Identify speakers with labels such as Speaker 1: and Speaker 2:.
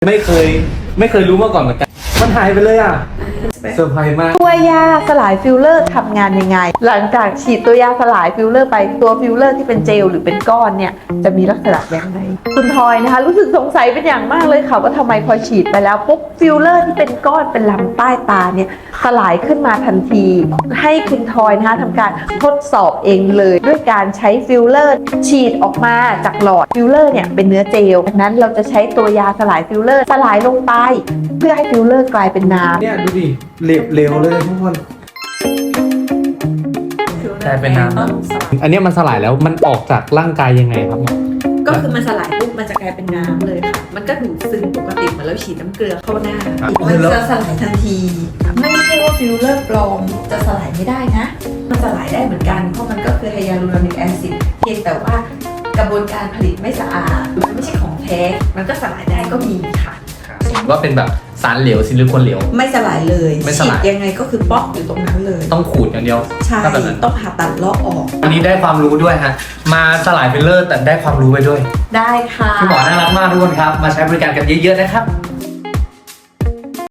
Speaker 1: ไม่เคยรู้มาก่อนเหมือนกันมันหายไปเลยอ่ะเซอร์ไพรส์มาก
Speaker 2: ตัวยาสลายฟิลเลอร์ทำงานยังไงหลังจากฉีดตัวยาสลายฟิลเลอร์ไปตัวฟิลเลอร์ที่เป็นเจลหรือเป็นก้อนเนี่ยจะมีลักษณะอย่างไรคุณทอยนะคะรู้สึกสงสัยเป็นอย่างมากเลยค่ะว่าทำไมพอฉีดไปแล้วปุ๊บฟิลเลอร์ที่เป็นก้อนเป็นลำใต้ตาเนี่ยสลายขึ้นมาทันทีให้คุณทอยนะคะทำการทดสอบเองเลยด้วยการใช้ฟิลเลอร์ฉีดออกมาจากหลอดฟิลเลอร์เนี่ยเป็นเนื้อเจลดังนั้นเราจะใช้ตัวยาสลายฟิลเลอร์สลายลงไปเพื่อให้ฟิลเลอร์กลายเป็นน้ำ
Speaker 1: เนี่ยดูดิเร็วเลยทุกคนกลายเป็นน้ำอันนี้มันสลายแล้วมันออกจากร่างกายยังไงครับ
Speaker 3: ก็คือมันสลายปุ๊บมันจะกลายเป็นน้ำเลยค่ะมันก็ดูดซึมปกติเหมือนเราฉีดน้ำเกลือเข้าหน้ามันจะสลายทันทีไม่ใช่ว่าฟิลเลอร์ปลอมจะสลายไม่ได้นะมันสลายได้เหมือนกันเพราะมันก็คือไฮยาลูรอนิกแอซิดเพียงแต่ว่ากระบวนการผลิตไม่สะอาดมันไม่ใช่ของแท้มันก็สลายได้ก็มีค่ะ
Speaker 1: ว่าเป็นแบบสารเหลวซิลิโคนเหลว
Speaker 3: ไม่สลายเลย
Speaker 1: ไม่สลาย
Speaker 3: ฉีดยังไงก็คือป๊อกอยู่ตรงนั้นเลย
Speaker 1: ต้องขูดอย่างเดียว
Speaker 3: ใช่ต้องผ่าตัดลอกออก
Speaker 1: วันนี้ได้ความรู้ด้วยฮะมาสลายฟิลเลอร์แต่ได้ความรู้ไปด้วย
Speaker 3: ได้ค่ะ
Speaker 1: คุณหมอน่ารักมากทุกคนครับมาใช้บริการกันเยอะๆนะครับ